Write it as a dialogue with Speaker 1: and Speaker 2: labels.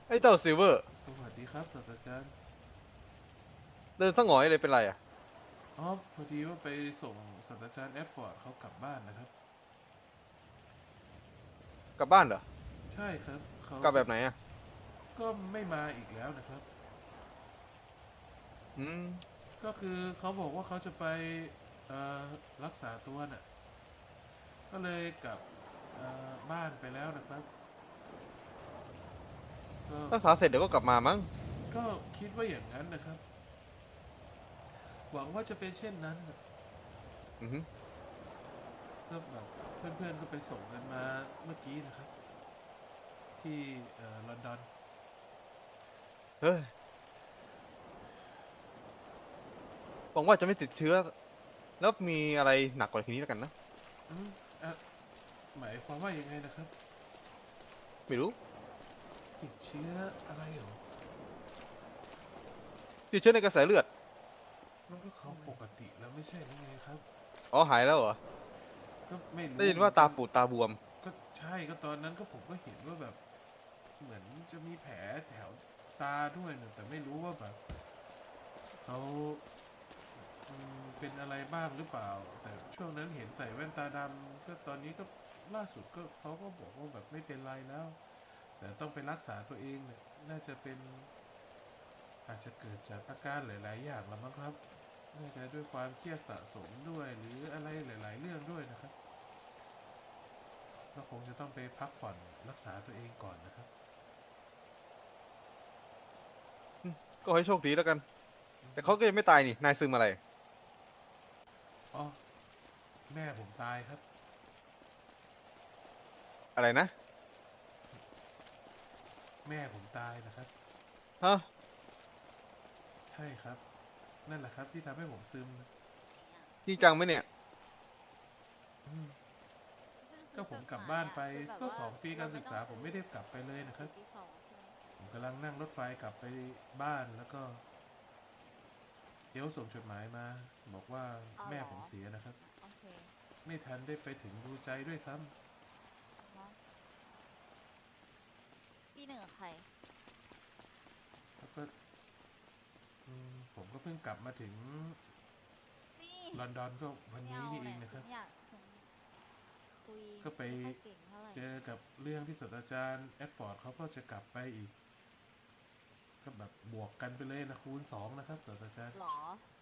Speaker 1: ไอ้เจ้าซิลเวอร์
Speaker 2: สวัสดีครับศาสตราจารย์
Speaker 1: เดินสะหงอยเลยเป็นไรอ่ะ
Speaker 2: อ๋อพอดีว่าไปส่งศาสตราจารย์แอดฟอร์ดเขากลับบ้านนะครับ
Speaker 1: กลับบ้านเหรอ
Speaker 2: ใช่ครับเขา
Speaker 1: กลับ
Speaker 2: จะ
Speaker 1: แบบไหนอ่ะ
Speaker 2: ก็ไม่มาอีกแล้วนะครับ
Speaker 1: อืม
Speaker 2: ก็คือเขาบอกว่าเขาจะไปเอ่อรักษาตัวน่ะก็เลยกลับบ้านไปแล้วนะครับก็
Speaker 1: รักษาเสร็จเดี๋ยวก็กลับมามั้ง
Speaker 2: ก็คิดว่าอย่างนั้นนะครับหวังว่าจะเป็นเช่นนั้นน่ะ
Speaker 1: อือฮึ
Speaker 2: ก็แบบเพื่อนๆก็ไปส่งกันมาเมื่อกี้นะครับที่ลอนดอน
Speaker 1: เฮ้ยหวังว่าจะไม่ติดเชื้อแล้วมีอะไรหนักกว่าทีนี้แล้วกันนะ
Speaker 2: อืมอ่ะหมายความว่ายังไงนะครับ
Speaker 1: ไม่รู้
Speaker 2: ติดเชื้ออะไรเหรอ
Speaker 1: ติดเชื้อในกระแสเลือด
Speaker 2: มันก็เขาปกติแล้วไม่ใช่หรือไงครับ
Speaker 1: อ๋อหายแล้วเหรอ
Speaker 2: ก็ไม่
Speaker 1: ได้
Speaker 2: รู้
Speaker 1: ยินว่าตา
Speaker 2: เหมือนกัน
Speaker 1: ปูดตาบวม
Speaker 2: ก็ใช่ก็ตอนนั้นก็ผมก็เห็นว่าแบบเหมือนจะมีแผลแถวตาด้วยนะแต่ไม่รู้ว่าแบบเขาเป็นอะไรบ้างหรือเปล่าแต่ช่วงนั้นเห็นใส่แว่นตาดำก็ตอนนี้ก็ล่าสุดก็เขาก็บอกว่าแบบไม่เป็นไรแล้วแต่ต้องไปรักษาตัวเองเนี่ยน่าจะเป็นอาจจะเกิดจากอาการหลายๆอย่างแล้วมั้งครับน่าจะด้วยความเครียดสะสมด้วยหรืออะไรหลายๆเรื่องด้วยนะครับ ก็คงจะต้องไปพักผ่อนรักษาตัวเองก่อนนะครับ
Speaker 1: อืมก็ให้โชคดีแล้วกันแต่เขาก็ยังไม่ตายนี่นายซึมอะไร
Speaker 2: อ๋อแม่ผมตายครับ
Speaker 1: อะไรนะ
Speaker 2: แม่ผมตายนะครับ
Speaker 1: ฮะ
Speaker 2: ใช่ครับนั่นแหละครับที่ทำให้ผมซึม
Speaker 1: จริงจังไหมเนี่ย
Speaker 2: อืม
Speaker 3: เพิ่ง
Speaker 2: ก็
Speaker 3: ซื้อ
Speaker 2: ผมกลับ
Speaker 3: จดหมาย
Speaker 2: บ้านไป
Speaker 3: อ่ะคือแบบ
Speaker 2: ก็
Speaker 3: ว่า
Speaker 2: 2 ปี
Speaker 3: เราไม่
Speaker 2: การศึกษาผม
Speaker 3: ต้องซื้อ
Speaker 2: ไม่ได้กลับไปเลย
Speaker 3: หนังสื
Speaker 2: นะครับ
Speaker 3: อที่สองใช่ไหม
Speaker 2: ผมกำลังนั่งรถไฟกลับไปบ้านแล้วก็เอลส่งจดหมายมาบอกว่า
Speaker 3: อ๋อเหรอ
Speaker 2: แม่ผมเสียนะครับ
Speaker 3: โอเค
Speaker 2: ไม่ทันได้ไปถึงดูใจด้วยซ้
Speaker 3: อ๋อฮะปีหนึ่งกับใคร
Speaker 2: ำแล้วก็ผมก็เพิ่งกลับมาถึง
Speaker 3: นี่
Speaker 2: ลอนดอนก็วัน
Speaker 3: ไม่
Speaker 2: นี้นี่เอ
Speaker 3: เอาแหละ
Speaker 2: งนะครับ
Speaker 3: ฉันอยากฉันคุย
Speaker 2: ก็ไป
Speaker 3: ไม่ค่อยเก่งเท่าไหร่
Speaker 2: เจอกับเรื่องที่ศาสตราจารย์แอดฟอร์ดเขาก็จะกลับไปอีกก็แบบบวกกันไปเลยนะคูณ 2นะครับศาสตราจารย์
Speaker 3: หรอ